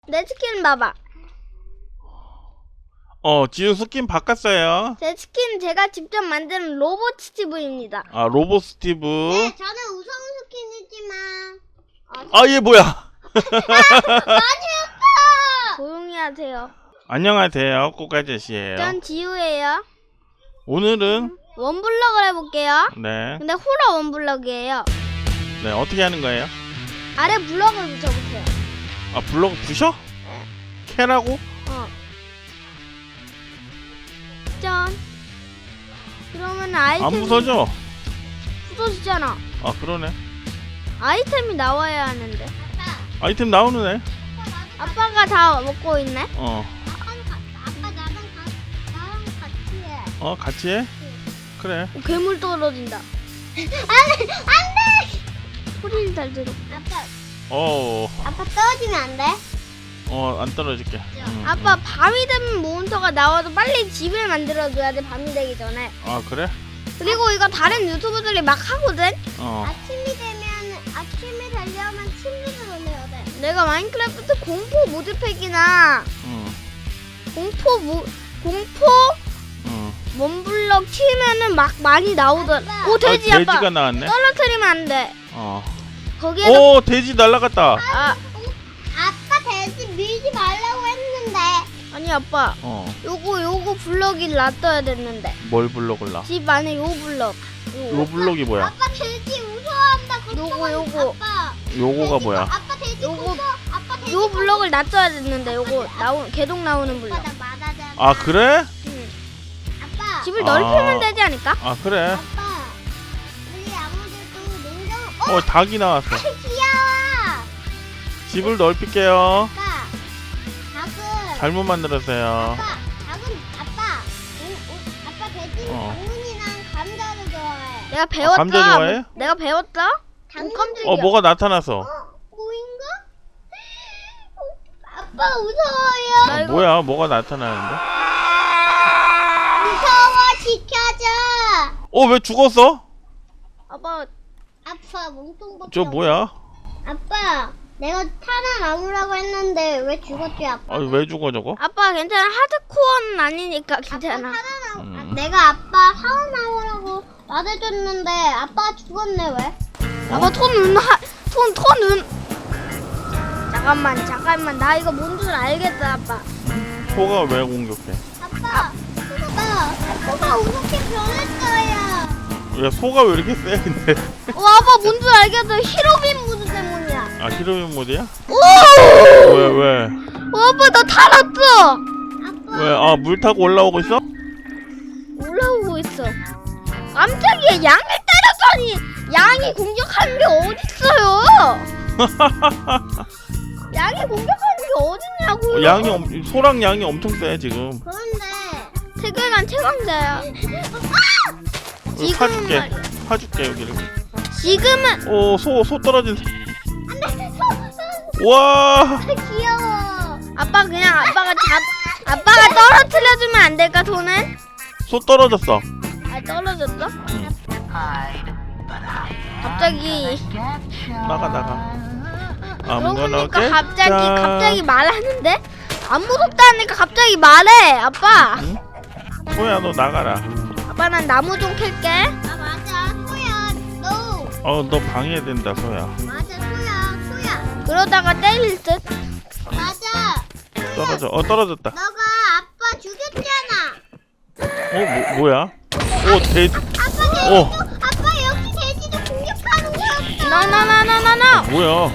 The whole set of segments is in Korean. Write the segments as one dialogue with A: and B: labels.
A: 내 스킨 봐봐.
B: 지우 스킨 바꿨어요.
A: 제 스킨 제가 직접 만든 로봇 스티브입니다.
B: 아, 로봇 스티브.
C: 네, 저는 우성우 스킨이지만.
B: 얘 뭐야?
A: 조용히 하세요.
B: 안녕하세요, 꼬까제시예요.
A: 전 지우예요.
B: 오늘은
A: 원블럭을 해볼게요.
B: 네,
A: 근데 호러 원블럭이에요.
B: 네 어떻게 하는 거예요?
A: 아래 블럭을 붙여보세요.
B: 아, 블록 부셔?
A: 네.
B: 캐라고?
A: 짠. 그러면 아이템이
B: 안 부서져?
A: 부서지잖아.
B: 아, 그러네.
A: 아이템이 나와야 하는데.
B: 아이템 나오는 애.
A: 아빠가 다 먹고 있네.
C: 아빠 나랑 같이 해.
B: 같이 해? 그래.
A: 괴물 떨어진다.
C: 안돼.
A: 소리를 잘 들어.
C: 아빠 떨어지면 안 돼?
B: 안 떨어질게.
A: 아빠 밤이 되면 몬스터가 나와도 빨리 집을 만들어줘야 돼. 밤이 되기 전에.
B: 아, 그래?
A: 그리고 이거 다른 유튜버들이 막 하거든.
C: 아침이 되려면 침대를 올려야 돼.
A: 내가 마인크래프트 공포 모드팩이나 공포 원블럭 치면은 막 많이 나오던.
C: 아빠.
A: 오, 돼지 아빠.
B: 돼지가 나왔네.
A: 떨어뜨리면 안 돼. 거기에다
B: 오, 돼지 날라갔다.
C: 아빠 돼지 밀지 말라고 했는데.
A: 아니 아빠. 요거 블럭이 놔둬야 됐는데.
B: 뭘 블록을 놔?
A: 집 안에 요 블럭.
B: 요 블록이 뭐야?
C: 아빠 돼지 무서워한다.
A: 요거.
C: 아빠.
B: 요거가 뭐야?
C: 아빠 돼지
A: 요거-
C: 무서워. 아빠 돼지
A: 요 블럭을 놔둬야 됐는데 요거 개동 나오는 블럭.
C: 아빠 나 말하잖아.
B: 아, 그래?
A: 응.
C: 아빠.
A: 집을 넓히면 되지 않을까?
B: 아, 그래.
C: 아빠. 우리 아무데도 냉장.
B: 닭이 나왔어.
C: 귀여워.
B: 집을 넓힐게요.
C: 아빠. 닭은.
B: 잘못 만들었어요.
C: 아빠 돼지는 당근이랑 감자를 좋아해.
A: 내가 배웠다.
B: 감자 좋아해?
A: 내가 배웠다. 깜짝이야.
B: 뭐가 나타났어?
C: 보인가? 아빠 무서워요.
A: 나 이거
B: 뭐야? 뭐가 나타나는데?
C: 무서워 지켜줘.
B: 왜 죽었어?
A: 아빠
C: 아빠 몸통밖에.
B: 저 뭐야?
C: 아빠 내가 살아남으라고 했는데 왜 죽었지 아빠?
B: 왜 죽어 저거?
A: 아빠 괜찮아. 하드코어는 아니니까 괜찮아.
C: 내가 아빠 살아남으라고 말해줬는데 아빠가 죽었네 왜?
A: 아빠 톤은 잠깐만 나 이거 뭔 줄 알겠다 아빠.
B: 소가 왜 공격해?
C: 아빠 아빠가 어떻게 변했어요?
B: 야, 소가 왜 이렇게 세 근데?
A: 아빠 뭔 줄 알겠어. 히로빈 무드 때문이야.
B: 아, 히로인 모드야?
A: 오!
B: 왜?
A: 아빠 나 달았어.
B: 왜? 물 타고 올라오고 있어?
A: 올라오고 있어. 깜짝이야. 양을 때렸더니 양이 공격하는 게 어딨어요? 양이 공격하는 게 어딨냐고요?
B: 소랑 양이 엄청 세 지금.
C: 그런데
A: 세계관 최강자야.
B: 여기
A: 지금은
B: 파줄게 여기를.
A: 지금은
B: 소 떨어진. 와.
C: 귀여워.
A: 아빠 그냥 아빠가 떨어뜨려주면 안 될까 손은?
B: 소 떨어졌어.
A: 떨어졌어? 갑자기
B: 나가.
A: 그러니까 갑자기 말하는데 안 무섭다니까 갑자기 말해 아빠.
B: 응? 소야 너 나가라.
A: 아빠 난 나무 좀 캘게.
C: 맞아 소야 너.
B: 너 방해된다 소야.
C: 맞아 소야.
A: 그러다가 때릴 듯.
C: 맞아.
B: 떨어져. 떨어졌다.
C: 너가 아빠 죽였잖아.
B: 뭐야? 돼지.
C: 아빠 여기 돼지도 공격하는 거였어.
A: 나나나나나나.
B: 뭐야?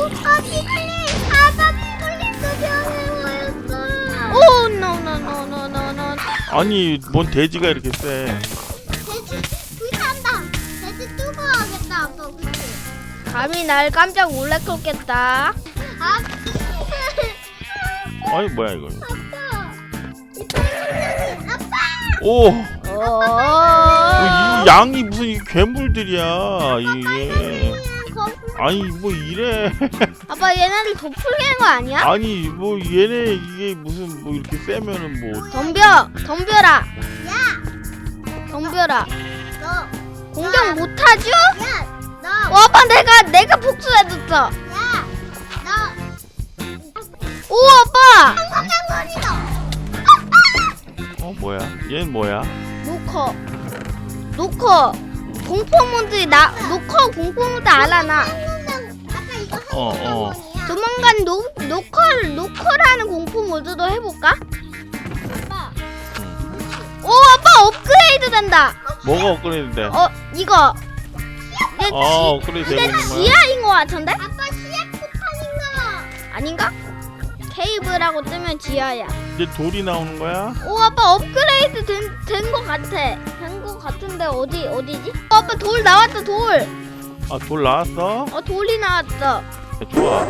C: 비글림도 변해 보였어.
A: 오 노노노노노노.
B: 아니 뭔 돼지가 이렇게 세?
C: 돼지 불탄다. 돼지 뜨거워하겠다 아빠 그치?
A: 감히 날 깜짝 놀래켰겠다.
B: 아니 뭐야 이거?
C: 아빠.
B: 이 양이 무슨 이 괴물들이야 이게. 아니 뭐 이래.
A: 아빠 얘네들 도플갱어 거 아니야?
B: 아니 뭐 얘네 이게 무슨 뭐 이렇게 세면은 뭐.
A: 덤벼라. 덤벼라.
C: 너.
A: 공격 못하죠?
C: 야. 너.
A: 아빠 내가 복수해줬어.
C: 야. 너.
A: 오 아빠.
B: 뭐야? 얘는 뭐야?
A: 노커 공포 모드 노커 공포 모드 알아 나.
C: 아까 이거
B: 어, 어.
A: 조만간 노커라는 공포 모드도 해볼까?
C: 아빠.
A: 오 아빠 업그레이드 된다.
B: 뭐가 업그레이드 돼?
A: 이거 이게
B: 업그레이드 되고 있는 거야?
A: 지하인 것 같은데?
C: 아빠 시약 폭탄인가?
A: 아닌가? 케이블하고 뜨면 지하야.
B: 이제 돌이 나오는 거야?
A: 오 아빠 업그레이드 된 것 같아. 된 것 같은데 어디지? 아빠 돌 나왔다 돌.
B: 아, 돌 나왔어?
A: 돌이 나왔어.
B: 좋아.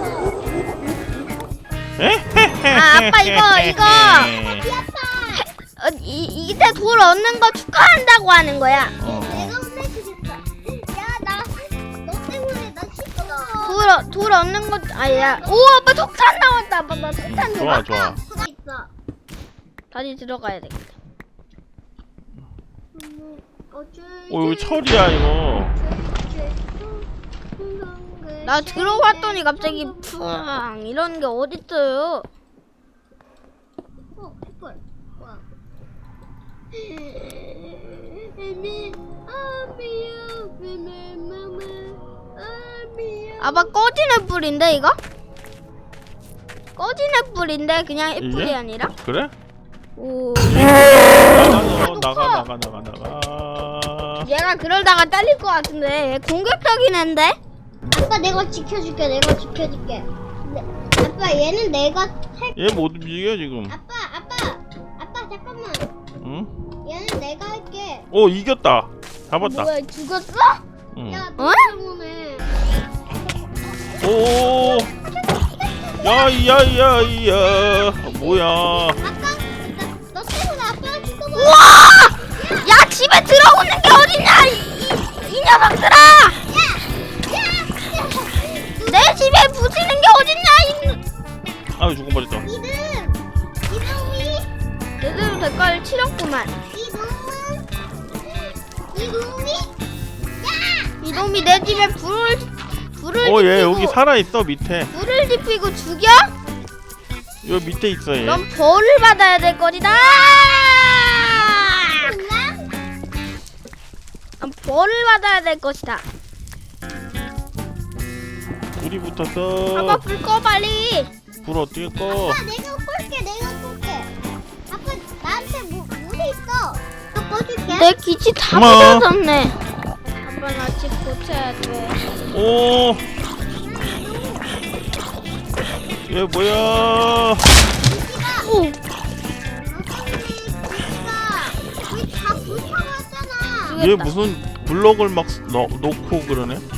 A: 아 아빠 이거 이때 돌 얻는 거 축하한다고 하는 거야.
C: 내가 혼내주겠다. 야, 너 때문에 나 씻어.
A: 돌 얻는 거 아니야. 오 아빠 석탄 나왔다. 아빠 나 석탄 줘봐.
B: 좋아.
C: 있어.
A: 다시 들어가야 되겠다.
B: 여기 철이야, 이거.
A: 나 들어왔더니 갑자기 푸앙 이런 게 어딨어요?
C: 햇벌. 와.
A: 아빠 꺼지는 불인데 이거? 꺼지는 불인데 그냥 애플이
B: 이게?
A: 아니라?
B: 그래?
A: 오.
B: 나가.
A: 얘가 그러다가 잘릴 것 같은데 얘 공격적인 앤데?
C: 아빠 내가 지켜줄게. 아빠 얘는 내가 할.
B: 얘 못 움직여, 지금.
C: 아빠 잠깐만.
B: 응?
C: 얘는 내가 할게.
B: 이겼다. 잡았다.
A: 뭐야 죽었어?
B: 응.
C: 야,
A: 어?
C: 너 때문에.
B: 오. 야야야야. 뭐야?
C: 아빠, 너 때문에 아빠가 죽어봐.
A: 우와! 야 집에 들어오는 게 어딨냐 이 녀석들아! 내 집에 부수는 게 어딨냐
B: 아유, 죽어 버렸다.
C: 이놈이
A: 제대로 대가를 치렀구만. 이놈이 내 집에 불을
B: 얘
A: 지피고
B: 여기 살아 있어, 밑에.
A: 불을 지피고 죽여?
B: 여기 밑에 있어, 얘.
A: 넌 벌을 받아야 될 거리다. 넌 벌을 받아야 될 것이다.
B: 불이 붙었어.
A: 아빠 불 꺼 빨리.
B: 불 어떻게 꺼?
C: 아빠 내가 꼴게. 아빠 나한테 물이 있어. 또 꺼줄게.
A: 내 기치 다
B: 고마워.
A: 부서졌네. 아빠 나 집 고쳐야 돼.
B: 오. 얘 뭐야?
A: 오.
C: 우리 다 불타고 왔잖아.
B: 얘 무슨 블럭을 막 놓고 그러네?